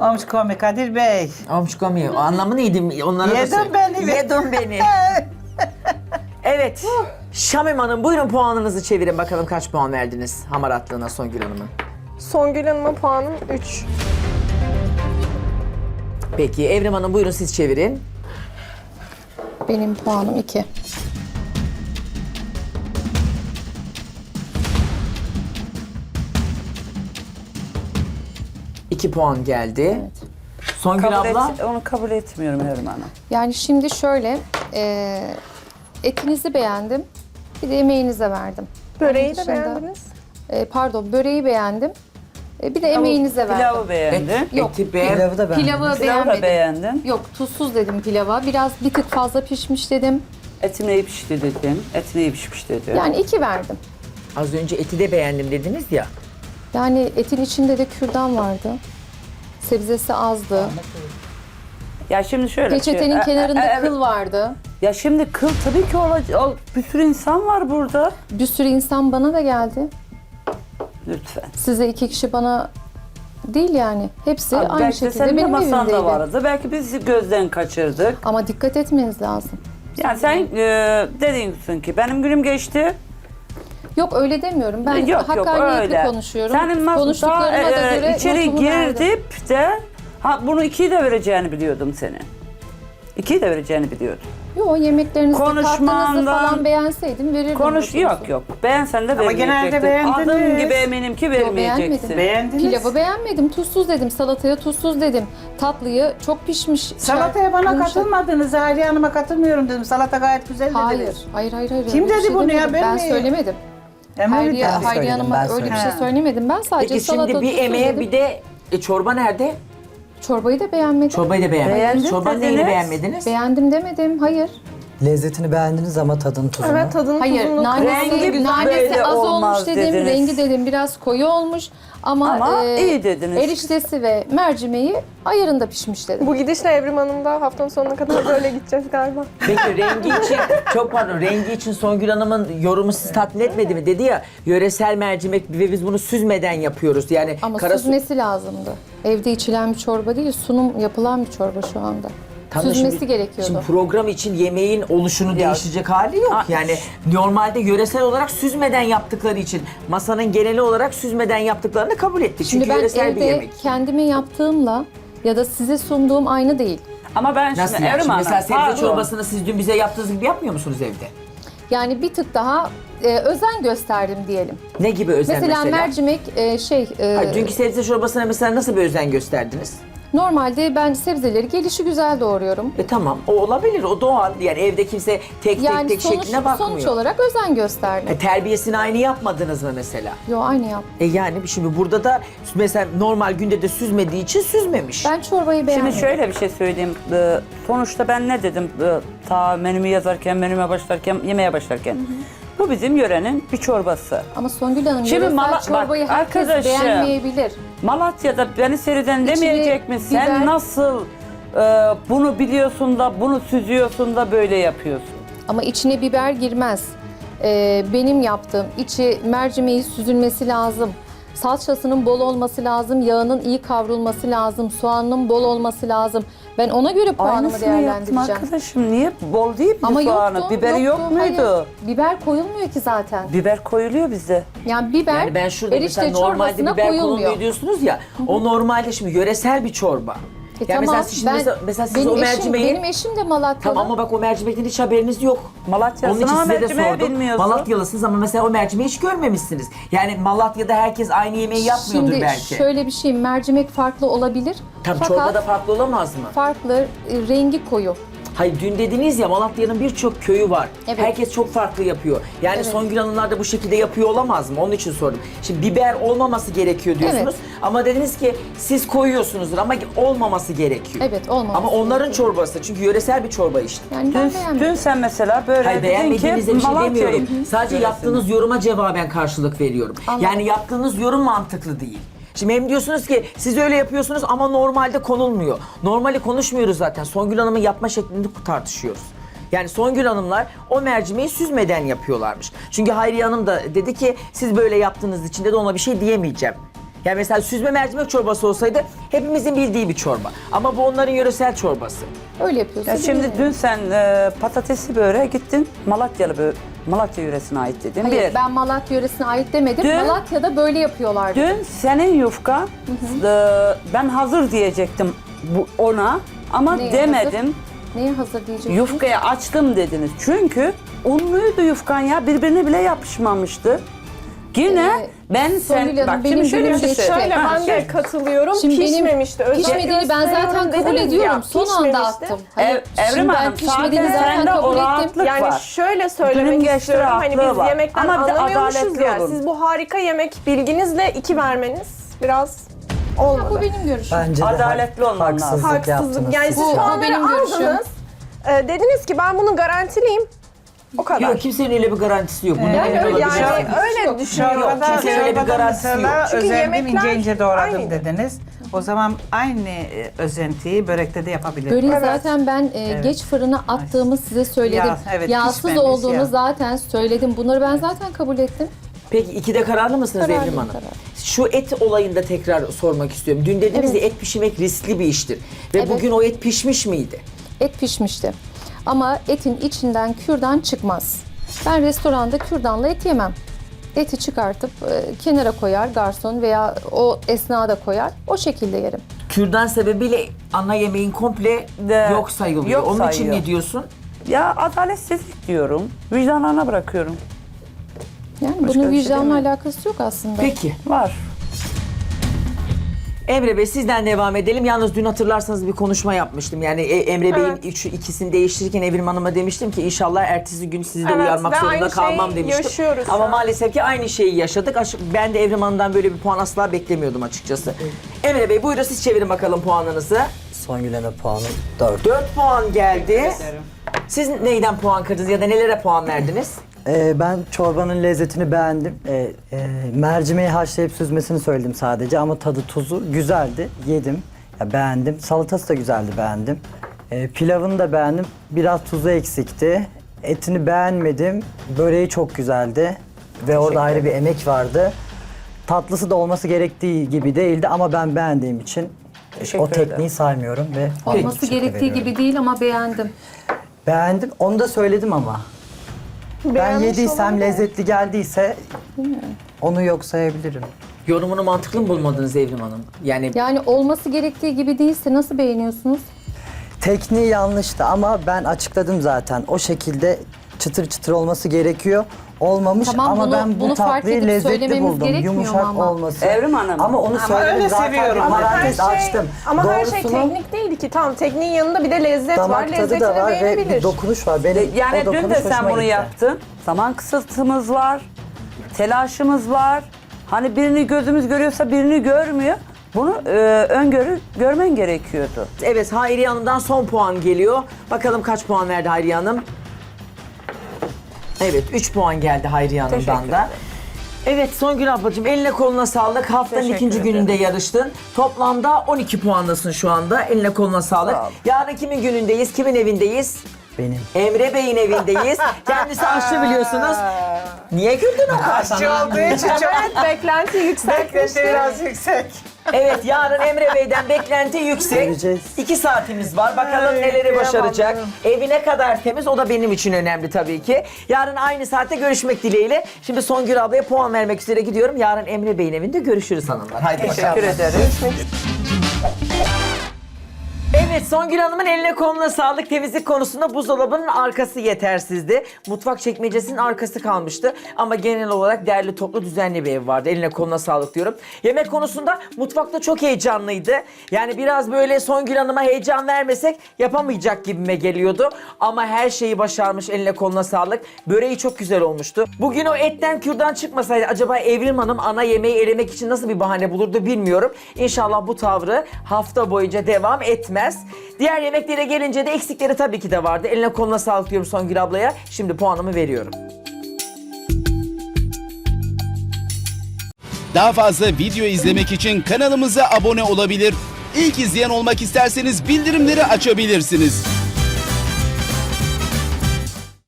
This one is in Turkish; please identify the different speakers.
Speaker 1: Omşkomi Kadir Bey.
Speaker 2: Omşkomi. O anlamı neydi? Onlara da
Speaker 1: Yedin
Speaker 2: söyle.
Speaker 1: beni.
Speaker 2: Yedin beni. Evet. Şamim Hanım buyurun puanınızı çevirin bakalım kaç puan verdiniz hamaratlığına Songül Hanım'ın.
Speaker 3: Songül Hanım'a puanım 3.
Speaker 2: Peki Evrim Hanım buyurun siz çevirin.
Speaker 4: Benim puanım 2.
Speaker 2: İki puan geldi. Songül abla.
Speaker 5: Onu kabul etmiyorum Evrim Hanım.
Speaker 4: Yani şimdi şöyle, etinizi beğendim, bir de emeğinize verdim.
Speaker 3: Böreği
Speaker 4: Onun
Speaker 3: de
Speaker 4: dışında-
Speaker 3: beğendiniz.
Speaker 4: Pardon, böreği beğendim, bir de emeğinize verdim.
Speaker 5: Pilavı beğendim.
Speaker 4: Yok,
Speaker 2: Eti beğen.
Speaker 6: Pilavı da beğendim.
Speaker 4: Pilavı
Speaker 5: Pilavı da
Speaker 4: beğenmedim.
Speaker 5: beğendim.
Speaker 4: Yok, tuzsuz dedim pilava. Biraz bir tık fazla pişmiş dedim.
Speaker 5: Etim iyi pişti dedim. Etim iyi pişmiş dedim.
Speaker 4: Yani 2 verdim.
Speaker 2: Az önce eti de beğendim dediniz ya.
Speaker 4: Yani etin içinde de kürdan vardı. Sebzesi azdı.
Speaker 5: Ya şimdi şöyle.
Speaker 4: Peçetenin kenarında
Speaker 5: evet.
Speaker 4: kıl vardı.
Speaker 5: Ya şimdi kıl tabii ki olacak. Bir sürü insan var burada.
Speaker 4: Bir sürü insan bana da geldi.
Speaker 5: Lütfen.
Speaker 4: Size 2 kişi bana değil yani. Hepsi
Speaker 5: Abi
Speaker 4: aynı
Speaker 5: belki de
Speaker 4: şekilde
Speaker 5: senin de
Speaker 4: benim
Speaker 5: masanda
Speaker 4: evimdeydi.
Speaker 5: vardı. Belki biz gözden kaçırdık.
Speaker 4: Ama dikkat etmeniz lazım.
Speaker 5: Yani sen dediğin ki benim günüm geçti.
Speaker 4: Yok öyle demiyorum. Ben
Speaker 5: Yok
Speaker 4: hakkaniyetli
Speaker 5: öyle.
Speaker 4: konuşuyorum.
Speaker 5: Senin
Speaker 4: Konuştuklarıma da göre
Speaker 5: içeri
Speaker 4: notumu verdim.
Speaker 5: girdip de bunu 2'yi de vereceğini biliyordum senin. 2'yi de vereceğini biliyordum.
Speaker 4: Yok yemeklerinizi tatlınızı
Speaker 5: Konuşmandan-
Speaker 4: falan beğenseydim verirdim.
Speaker 5: Konuş
Speaker 4: notunuzu.
Speaker 5: yok. Beğensen de
Speaker 1: Ama genelde
Speaker 5: vermeyecektin.
Speaker 1: beğendiniz.
Speaker 5: Adım gibi eminim ki vermeyeceksin.
Speaker 4: beğenmedim.
Speaker 1: Beğendiniz.
Speaker 4: Pilavı beğenmedim. Tuzsuz dedim. Salataya tuzsuz dedim. Tatlıyı çok pişmiş.
Speaker 1: Salataya bana
Speaker 4: Yumuşak.
Speaker 1: katılmadınız. Hayriye Hanım'a katılmıyorum dedim. Salata gayet güzel
Speaker 4: Hayır.
Speaker 1: dediniz.
Speaker 4: Hayır.
Speaker 1: Kim
Speaker 4: Öyle bir
Speaker 1: dedi bunu ya?
Speaker 4: demedim.
Speaker 1: Ben
Speaker 4: Ben
Speaker 1: mi?
Speaker 4: söylemedim.
Speaker 1: Ama
Speaker 4: Hayriye
Speaker 6: söyledim,
Speaker 4: Hanım'a
Speaker 6: ben
Speaker 4: öyle bir
Speaker 6: söyledim.
Speaker 4: şey söylemedim. Ben sadece
Speaker 2: Peki
Speaker 4: salata
Speaker 2: şimdi bir
Speaker 4: tuzsuz
Speaker 2: emeğe
Speaker 4: dedim.
Speaker 2: bir de çorba nerede?
Speaker 4: Çorbayı da beğenmedim.
Speaker 2: Çorbayı da beğenmediniz.
Speaker 5: Beğendim
Speaker 2: Çorbanın
Speaker 5: dediniz.
Speaker 2: neyini beğenmediniz?
Speaker 4: Beğendim demedim. Hayır.
Speaker 6: Lezzetini beğendiniz ama tadını tuzunu.
Speaker 3: Evet tadını
Speaker 4: Hayır,
Speaker 3: tuzunu
Speaker 5: Rengi
Speaker 4: nanesi
Speaker 5: böyle
Speaker 4: az
Speaker 5: olmaz
Speaker 4: olmuş dedim,
Speaker 5: dediniz.
Speaker 4: rengi dedim biraz koyu olmuş ama,
Speaker 5: iyi dediniz.
Speaker 4: eriştesi ve mercimeği ayarında pişmiş dedim.
Speaker 3: Bu gidişle Evrim Hanım da haftanın sonuna kadar böyle gideceğiz galiba.
Speaker 2: Peki rengi için, çok pardon, rengi için Songül Hanım'ın yorumu sizi tatmin etmedi mi? Dedi ya, yöresel mercimek ve biz bunu süzmeden yapıyoruz. Yani
Speaker 4: Ama
Speaker 2: kara
Speaker 4: süzmesi lazımdı. Evde içilen bir çorba değil, sunum yapılan bir çorba şu anda.
Speaker 2: Tam da
Speaker 4: Süzmesi
Speaker 2: şimdi-
Speaker 4: gerekiyordu.
Speaker 2: Şimdi program için yemeğin oluşunu değişecek hali yok.
Speaker 5: Aa,
Speaker 2: Yani normalde yöresel olarak süzmeden yaptıkları için masanın geneli olarak süzmeden yaptıklarını kabul ettik.
Speaker 4: Şimdi
Speaker 2: Çünkü
Speaker 4: ben
Speaker 2: yöresel bir
Speaker 4: evde
Speaker 2: yemek.
Speaker 4: kendime yaptığımla ya da size sunduğum aynı değil.
Speaker 5: Ama ben
Speaker 2: Nasıl
Speaker 5: şimdi
Speaker 2: yani?
Speaker 5: Evrim
Speaker 2: Şimdi
Speaker 5: Hanım,
Speaker 2: mesela sebze
Speaker 5: pardon.
Speaker 2: çorbasını siz dün bize yaptığınız gibi yapmıyor musunuz evde?
Speaker 4: Yani bir tık daha özen gösterdim diyelim.
Speaker 2: Ne gibi özen
Speaker 4: Mesela,
Speaker 2: mesela?
Speaker 4: mercimek
Speaker 2: Hayır, dünkü sebze çorbasına mesela nasıl bir özen gösterdiniz?
Speaker 4: normalde ben sebzeleri gelişi güzel doğruyorum.
Speaker 2: Tamam, o olabilir, o doğal. Yani evde kimse tek
Speaker 4: Yani
Speaker 2: tek şekline bakmıyor.
Speaker 4: sonuç olarak özen gösterdim.
Speaker 2: Terbiyesini aynı yapmadınız mı mesela?
Speaker 4: Yo aynı yap.
Speaker 2: Yani şimdi burada da mesela normal günde de süzmediği için süzmemiş.
Speaker 4: Ben çorbayı beğenmedim.
Speaker 5: Şimdi şöyle bir şey söyleyeyim. Sonuçta ben ne dedim ta menümü yazarken, menüme başlarken, yemeğe başlarken. Bu bizim yörenin bir çorbası.
Speaker 4: Ama Songül Hanım
Speaker 5: Şimdi
Speaker 4: yöresel çorbayı
Speaker 5: bak,
Speaker 4: herkes
Speaker 5: arkadaşım,
Speaker 4: beğenmeyebilir.
Speaker 5: Malatya'da beni seyreden demeyecek mi? Sen
Speaker 4: biber-
Speaker 5: nasıl bunu biliyorsun da bunu süzüyorsun da böyle yapıyorsun?
Speaker 4: Ama içine biber girmez. Benim yaptığım içi mercimeği süzülmesi lazım. Salçasının bol olması lazım, yağının iyi kavrulması lazım, soğanının bol olması lazım. Ben ona göre puanımı
Speaker 5: Aynısını yaptım
Speaker 4: değerlendireceğim.
Speaker 5: arkadaşım. Niye? Bol değil mi
Speaker 4: Ama
Speaker 5: soğanı?
Speaker 4: yoktu,
Speaker 5: Biberi yok
Speaker 4: yoktu,
Speaker 5: muydu?
Speaker 4: hayır. Biber koyulmuyor ki zaten.
Speaker 5: Biber koyuluyor bizde.
Speaker 4: Yani biber
Speaker 2: Yani ben şurada
Speaker 4: erişte
Speaker 2: mesela normalde
Speaker 4: çorbasına
Speaker 2: biber
Speaker 4: koyulmuyor.
Speaker 2: konulmuyor diyorsunuz ya. O normalde şimdi yöresel bir çorba. Yani mesela siz, şimdi mesela siz o mercimeği...
Speaker 4: Benim eşim de Malatyalı.
Speaker 2: Tamam ama bak o mercimekten hiç haberiniz yok.
Speaker 5: Malatya'sın
Speaker 2: Onun için
Speaker 5: ama
Speaker 2: size de
Speaker 5: mercimeği
Speaker 2: sordum.
Speaker 5: bilmiyorsun.
Speaker 2: Malatyalısınız ama mesela o mercimeği hiç görmemişsiniz. Yani Malatya'da herkes aynı yemeği yapmıyordur
Speaker 4: Şimdi
Speaker 2: belki.
Speaker 4: şöyle bir şey, mercimek farklı olabilir.
Speaker 2: Tam
Speaker 4: Fakat
Speaker 2: çorbada farklı olamaz mı?
Speaker 4: farklı, rengi koyu.
Speaker 2: Hayır dün dediniz ya Malatya'nın birçok köyü var.
Speaker 4: Evet.
Speaker 2: Herkes çok farklı yapıyor. Yani
Speaker 4: Evet.
Speaker 2: Songül Hanımlar da bu şekilde yapıyor olamaz mı? Onun için sordum. Şimdi biber olmaması gerekiyor diyorsunuz.
Speaker 4: Evet.
Speaker 2: Ama dediniz ki siz koyuyorsunuzdur ama olmaması gerekiyor.
Speaker 4: Evet, olmaması
Speaker 2: Ama onların
Speaker 4: gerekiyor.
Speaker 2: çorbası çünkü yöresel bir çorba işte.
Speaker 4: Yani ben
Speaker 5: Dün
Speaker 4: beğenmedim.
Speaker 5: sen mesela böyle
Speaker 2: Hayır
Speaker 5: dedin ki
Speaker 2: beğenmediğinizde bir şey
Speaker 5: Malatya'yı
Speaker 2: demiyorum. Sadece
Speaker 5: yöresini.
Speaker 2: yaptığınız yoruma cevaben karşılık veriyorum.
Speaker 4: Anladım.
Speaker 2: Yani yaptığınız yorum mantıklı değil. Şimdi hem diyorsunuz ki siz öyle yapıyorsunuz ama normalde konulmuyor. Normali konuşmuyoruz zaten. Songül Hanım'ın yapma şeklini tartışıyoruz. Yani Songül Hanımlar o mercimeği süzmeden yapıyorlarmış. Çünkü Hayriye Hanım da dedi ki siz böyle yaptığınız için de ona bir şey diyemeyeceğim. Yani mesela süzme mercimek çorbası olsaydı hepimizin bildiği bir çorba. Ama bu onların yöresel çorbası.
Speaker 4: Öyle yapıyorsun.
Speaker 5: Ya şimdi dün sen patatesi böreğe gittin Malatya yöresine ait dedin.
Speaker 4: Hayır, ben Malatya yöresine ait demedim.
Speaker 5: Dün-
Speaker 4: Malatya'da böyle yapıyorlar.
Speaker 5: Dün senin yufka ben hazır diyecektim ona ama
Speaker 4: Neye
Speaker 5: demedim.
Speaker 4: Neye hazır diyeceksiniz?
Speaker 5: Yufkaya açtım dediniz. Çünkü unluydu yufkan ya birbirine bile yapışmamıştı. Yine ben
Speaker 4: Songül Hanım,
Speaker 5: bak
Speaker 4: benim
Speaker 5: şimdi şöyle bir
Speaker 4: günüm
Speaker 5: şey
Speaker 4: geçti.
Speaker 5: söyleyeyim.
Speaker 3: Şöyle
Speaker 5: Ha,
Speaker 3: ben de katılıyorum.
Speaker 4: Şimdi benim
Speaker 3: Pişmemişti.
Speaker 4: Pişmediğini ben zaten kabul ediyorum. Son anda attım. Hayır,
Speaker 5: Evrim
Speaker 4: şimdi ben
Speaker 5: Hanım
Speaker 4: pişmediğini
Speaker 5: zaten
Speaker 4: zaten
Speaker 5: sende o
Speaker 4: kabul ettim.
Speaker 5: rahatlık
Speaker 3: Yani
Speaker 5: var.
Speaker 3: şöyle
Speaker 5: Günün
Speaker 3: söylemek
Speaker 5: geçti,
Speaker 3: istiyorum. Hani
Speaker 5: rahatlığı
Speaker 3: biz
Speaker 5: var.
Speaker 3: yemekten
Speaker 5: Ama bir de
Speaker 3: anlamıyormuşuz
Speaker 5: adaletli
Speaker 3: ya.
Speaker 5: olun.
Speaker 3: Siz bu harika yemek bilginizle 2 vermeniz biraz olmadı.
Speaker 4: Bu benim görüşüm.
Speaker 6: Bence de
Speaker 5: Adaletli olman lazım.
Speaker 6: haksızlık
Speaker 3: Haksızlık.
Speaker 6: yaptınız.
Speaker 3: Yani siz
Speaker 4: Bu
Speaker 3: puanları
Speaker 4: benim görüşüm.
Speaker 3: aldınız. Dediniz ki ben bunun garantiliyim. O kadar.
Speaker 2: Yok, kimsenin öyle bir garantisi yok. Bunun
Speaker 3: Yani
Speaker 2: emin
Speaker 3: öyle,
Speaker 2: olabileceği
Speaker 3: yani
Speaker 2: şey.
Speaker 3: öyle düşünüyorum.
Speaker 2: Yok, kimsenin öyle bir garantisi yok.
Speaker 1: Mesela
Speaker 3: Çünkü
Speaker 1: özendim,
Speaker 3: yemekler
Speaker 1: ince ince doğradım
Speaker 3: aynıydı.
Speaker 1: dediniz. O zaman aynı özentiyi börekte de yapabilirim.
Speaker 4: Böreği
Speaker 3: Evet.
Speaker 4: zaten ben geç fırına attığımı size söyledim.
Speaker 1: Yağ, evet,
Speaker 4: Yağsız
Speaker 1: pişmemiş
Speaker 4: olduğunu
Speaker 1: yağ.
Speaker 4: zaten söyledim. Bunları ben zaten kabul ettim.
Speaker 2: Peki 2'de kararlı mısınız
Speaker 4: Kararlıyım,
Speaker 2: Evrim Hanım?
Speaker 4: kararlı.
Speaker 2: Şu et olayında tekrar sormak istiyorum. Dün dediniz ya et pişirmek riskli bir iştir. Ve
Speaker 4: Evet.
Speaker 2: bugün o et pişmiş miydi?
Speaker 4: Et pişmişti. Ama etin içinden kürdan çıkmaz. Ben restoranda kürdanla et yemem. Eti çıkartıp kenara koyar garson veya o esnada koyar. O şekilde yerim.
Speaker 2: Kürdan sebebiyle ana yemeğin komple yok sayılıyor.
Speaker 5: yok
Speaker 2: Onun için
Speaker 5: sayıyor.
Speaker 2: ne diyorsun?
Speaker 5: Ya adaletsizlik diyorum. Vicdanlarına bırakıyorum.
Speaker 4: Yani
Speaker 5: Başka
Speaker 4: bunun
Speaker 5: bir şey
Speaker 4: vicdanla
Speaker 5: demiyorum.
Speaker 4: alakası yok aslında.
Speaker 2: Peki.
Speaker 5: Var.
Speaker 2: Emre Bey sizden devam edelim. Yalnız dün hatırlarsanız bir konuşma yapmıştım. Yani Emre Bey'in
Speaker 3: Evet.
Speaker 2: ikisini değiştirirken Evrim Hanım'a demiştim ki inşallah ertesi gün sizi de
Speaker 3: Evet,
Speaker 2: uyarmak
Speaker 3: ve
Speaker 2: zorunda
Speaker 3: aynı
Speaker 2: kalmam
Speaker 3: şeyi
Speaker 2: demiştim.
Speaker 3: yaşıyoruz şu
Speaker 2: Ama
Speaker 3: an.
Speaker 2: maalesef ki aynı şeyi yaşadık. Ben de Evrim Hanım'dan böyle bir puan asla beklemiyordum açıkçası. Emre Bey buyurun siz çevirin bakalım puanınızı.
Speaker 6: Songül Hanım puanı 4.
Speaker 2: 4 puan geldi. Siz neyden puan kırdınız ya da nelere puan verdiniz?
Speaker 6: Ben çorbanın lezzetini beğendim. Mercimeği haşlayıp süzmesini söyledim sadece ama tadı tuzu güzeldi. Yedim. Ya beğendim. Salatası da güzeldi, beğendim. Pilavını da beğendim. Biraz tuzu eksikti. Etini beğenmedim. Böreği çok güzeldi. Ve orada ayrı bir emek vardı. Tatlısı da olması gerektiği gibi değildi ama ben beğendiğim için
Speaker 5: Teşekkür
Speaker 6: o tekniği
Speaker 5: ederim.
Speaker 6: saymıyorum ve
Speaker 4: Olması
Speaker 6: teşekkür
Speaker 4: gerektiği
Speaker 6: ediyorum.
Speaker 4: gibi değil ama beğendim.
Speaker 6: Beğendim. Onu da söyledim ama. Ben
Speaker 3: Beğenmiş
Speaker 6: yediysem
Speaker 3: olabilir.
Speaker 6: lezzetli geldiyse onu yok sayabilirim.
Speaker 2: Yorumunu mantıklı mı bulmadınız Evrim Hanım?
Speaker 4: Yani olması gerektiği gibi değilse nasıl beğeniyorsunuz?
Speaker 6: Tekniği yanlıştı ama ben açıkladım zaten. O şekilde çıtır çıtır olması gerekiyor. Olmamış
Speaker 4: Tamam,
Speaker 6: ama
Speaker 4: bunu-
Speaker 6: ben
Speaker 4: bunu
Speaker 6: bu
Speaker 4: fark
Speaker 6: tatlıyı
Speaker 4: edip
Speaker 6: lezzetli
Speaker 4: söylememiz
Speaker 6: buldum.
Speaker 4: gerekmiyor mu
Speaker 6: Yumuşak
Speaker 4: ama?
Speaker 6: olması.
Speaker 5: Evrim Hanım.
Speaker 6: Ama onu söyledim
Speaker 1: öyle
Speaker 6: zaten.
Speaker 1: seviyorum.
Speaker 6: Ama
Speaker 1: Ama
Speaker 6: parantez açtım.
Speaker 3: Ama her şey
Speaker 6: Doğrusunu
Speaker 3: teknik değildi ki. Tamam tekniğin yanında bir de lezzet var.
Speaker 6: damak tadı
Speaker 3: Lezzetini
Speaker 6: da var ve bir
Speaker 3: beğenebilir.
Speaker 6: dokunuş var. Benim
Speaker 5: Yani
Speaker 6: o
Speaker 5: dün
Speaker 6: dokunuş
Speaker 5: de sen
Speaker 6: hoşuma
Speaker 5: bunu
Speaker 6: gitti.
Speaker 5: yaptın. Zaman kısıtımız var. Telaşımız var. Hani birini gözümüz görüyorsa birini görmüyor. Bunu görmen gerekiyordu.
Speaker 2: Evet Hayriye Hanım'dan son puan geliyor. Bakalım kaç puan verdi Hayriye Hanım? Evet 3 puan geldi Hayriye Hanım'dan
Speaker 5: Teşekkür
Speaker 2: da.
Speaker 5: ederim.
Speaker 2: Evet Songül ablacığım eline koluna sağlık. Haftanın
Speaker 5: Teşekkür
Speaker 2: ikinci
Speaker 5: ederim.
Speaker 2: gününde yarıştın. Toplamda 12 puandasın şu anda. Eline koluna sağlık.
Speaker 5: Sağ ol.
Speaker 2: Yarın kimin günündeyiz? Kimin evindeyiz?
Speaker 6: Benim.
Speaker 2: Emre Bey'in evindeyiz. Kendisi aşçı biliyorsunuz. Niye güldün o kadar
Speaker 1: Aşçı
Speaker 2: sana?
Speaker 1: olduğu için çok
Speaker 3: Evet beklenti yükseltmişti.
Speaker 1: beklenti biraz yüksek.
Speaker 2: Evet yarın Emre Bey'den beklenti yüksek.
Speaker 6: Göreceğiz.
Speaker 2: 2 saatimiz var. Bakalım
Speaker 1: Ay,
Speaker 2: neleri
Speaker 1: kıyamam
Speaker 2: başaracak.
Speaker 1: canım.
Speaker 2: Evi ne kadar temiz o da benim için önemli tabii ki. Yarın aynı saatte görüşmek dileğiyle. Şimdi Songül ablaya puan vermek üzere gidiyorum. Yarın Emre Bey'in evinde görüşürüz hanımlar. Haydi bakalım.
Speaker 5: Teşekkür ederim.
Speaker 2: Evet Songül Hanım'ın eline koluna sağlık. Temizlik konusunda buzdolabının arkası yetersizdi. Mutfak çekmecesinin arkası kalmıştı. Ama genel olarak derli toplu düzenli bir ev vardı. Eline koluna sağlık diyorum. Yemek konusunda mutfakta çok heyecanlıydı. Yani biraz böyle Songül Hanım'a heyecan vermesek yapamayacak gibime geliyordu. Ama her şeyi başarmış, eline koluna sağlık. Böreği çok güzel olmuştu. Bugün o etten kürdan çıkmasaydı acaba Evrim Hanım ana yemeği elemek için nasıl bir bahane bulurdu bilmiyorum. İnşallah bu tavrı hafta boyunca devam etmez. Diğer yemeklere gelince de eksikleri tabii ki de vardı. Eline koluna sağlık diyorum Songül ablaya. Şimdi puanımı veriyorum.
Speaker 7: Daha fazla video izlemek için kanalımıza abone olabilir. İlk izleyen olmak isterseniz bildirimleri açabilirsiniz.